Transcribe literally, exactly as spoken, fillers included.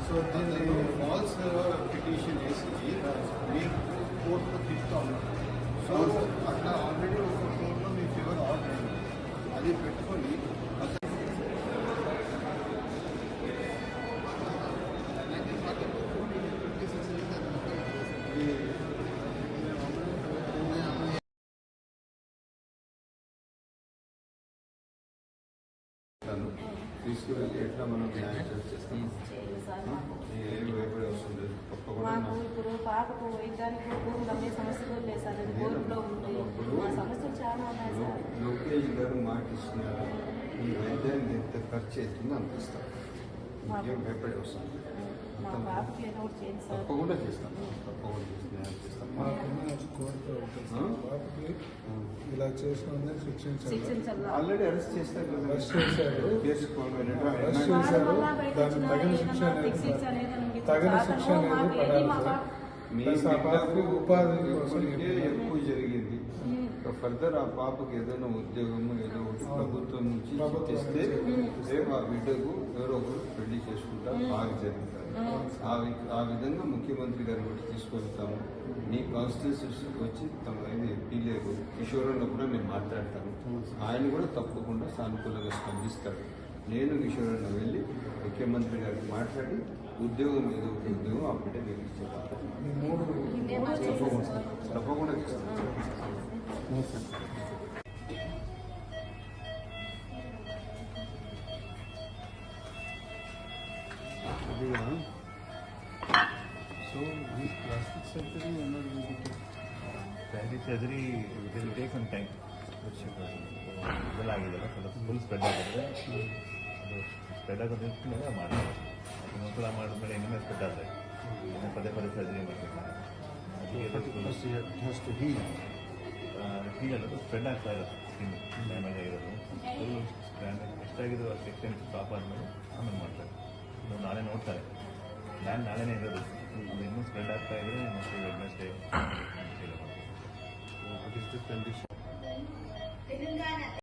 So దీన్ని falls petition వేసి మీకు కోర్టులో తిప్పుతా ఉన్నారు. సో అట్లా ఆల్రెడీ ఒక కోర్టులో మీ ఫేవర్ ఆర్డర్ అయింది, అది పెట్టుకొని తీసుకువెళ్ళి ఎట్లా మనం న్యాయం చేస్తాం. ఏమి భయపడి వస్తుంది మాకు ఇప్పుడు పాపకు వైద్యానికి భూములు అమ్మే సమస్యలు లేదు సార్. అది కోర్టులో ఉంది, మా సమస్యలు చాలా ఉన్నాయి సార్. లోకేష్ గారు మాట ఇస్తున్నారు, ఈ వైద్యానికి ఎంత ఖర్చు అవుతుందో అంత ఇస్తాం. ఇంకేం భయపడి వస్తుంది. మా పాపకి ఏదో ఒకటి చేయండి సార్. తప్పకుండా చేస్తాం, తప్పకుండా న్యాయం చేస్తాం. ఇలా చేసిన శిక్షించాలి. ఆల్రెడీ అరెస్ట్ చేస్తారు కదా, అరెస్ట్ చేశారు, కేసు అరెస్ట్ చేశారు. దానికి తగిన శిక్ష తగిన శిక్ష అనేది పడాలి. ప్లస్ ఆ పాపకి ఉపాధి కోసం ఎక్కువ జరిగింది. ఫర్దర్ ఆ పాపకి ఏదైనా ఉద్యోగము ఏదో ఒకటి ప్రభుత్వం నుంచి ఇస్తే రేపు ఆ బిడ్డకు ఎవరో ఒకరు పెళ్లి చేసుకుంటా బాగా జరుగుతారు. ఆ విధంగా ముఖ్యమంత్రి గారిని కూడా తీసుకెళ్తాము. నీ కాన్స్టిట్యూన్సీకి వచ్చి తమ ఇది ఎంపీ లేరు కిషోరన్న కూడా నేను మాట్లాడతాను. ఆయన కూడా తప్పకుండా సానుకూలంగా స్పందిస్తాడు. నేను కిషోరన్న వెళ్ళి ముఖ్యమంత్రి గారికి మాట్లాడి ఉద్యోగం ఏదో ఒక ఉద్యోగం ఆ బిడ్డ నేను ఇచ్చేస్తాను. తప్పకుండా చేస్తాను. So this plastic surgery plastic surgery it will take some time. ಇದಾಗಿದೆಲ್ಲ ಸ್ವಲ್ಪ ಫುಲ್ ಸ್ಪ್ರೆಡ್ ಆಗುತ್ತೆ. ಅದು ಸ್ಪ್ರೆಡ್ ಆಗೋದು ಮಾಡಿ ಅದು ಮಕ್ಕಳ ಮಾಡಿದ್ಮೇಲೆ ಇನ್ನೊಮ್ಮೆ ಸ್ಪ್ರೆಡ್ ಆದರೆ ಇನ್ನೂ ಪದೇ ಪದೇ ಸರ್ಜರಿ ಮಾಡಬೇಕು. ಹೀಗಲ್ಲದು ಸ್ಪ್ರೆಡ್ ಆಗ್ತಾ ಇರೋದು, ಸ್ಕಿನ್ ಡ್ಯಾಮೇಜ್ ಆಗಿರೋದು ಫುಲ್ ಎಷ್ಟಾಗಿದ್ದು ಅಷ್ಟು ಎಕ್ಸ್ಟೆಂಟ್ ಸ್ಟಾಪ್ ಆದಮೇಲೆ ಆಮೇಲೆ ಮಾಡ್ತಾರೆ. ಇನ್ನು ನಾಳೆ ನೋಡ್ತಾರೆ, ಪ್ಲ್ಯಾನ್ ನಾಳೆನೇ ಇರೋದು. ಅದು ಇನ್ನೂ ಸ್ಪ್ರೆಡ್ ಆಗ್ತಾ ಇದ್ರೆ ಮತ್ತೆ Wednesday. What is the condition?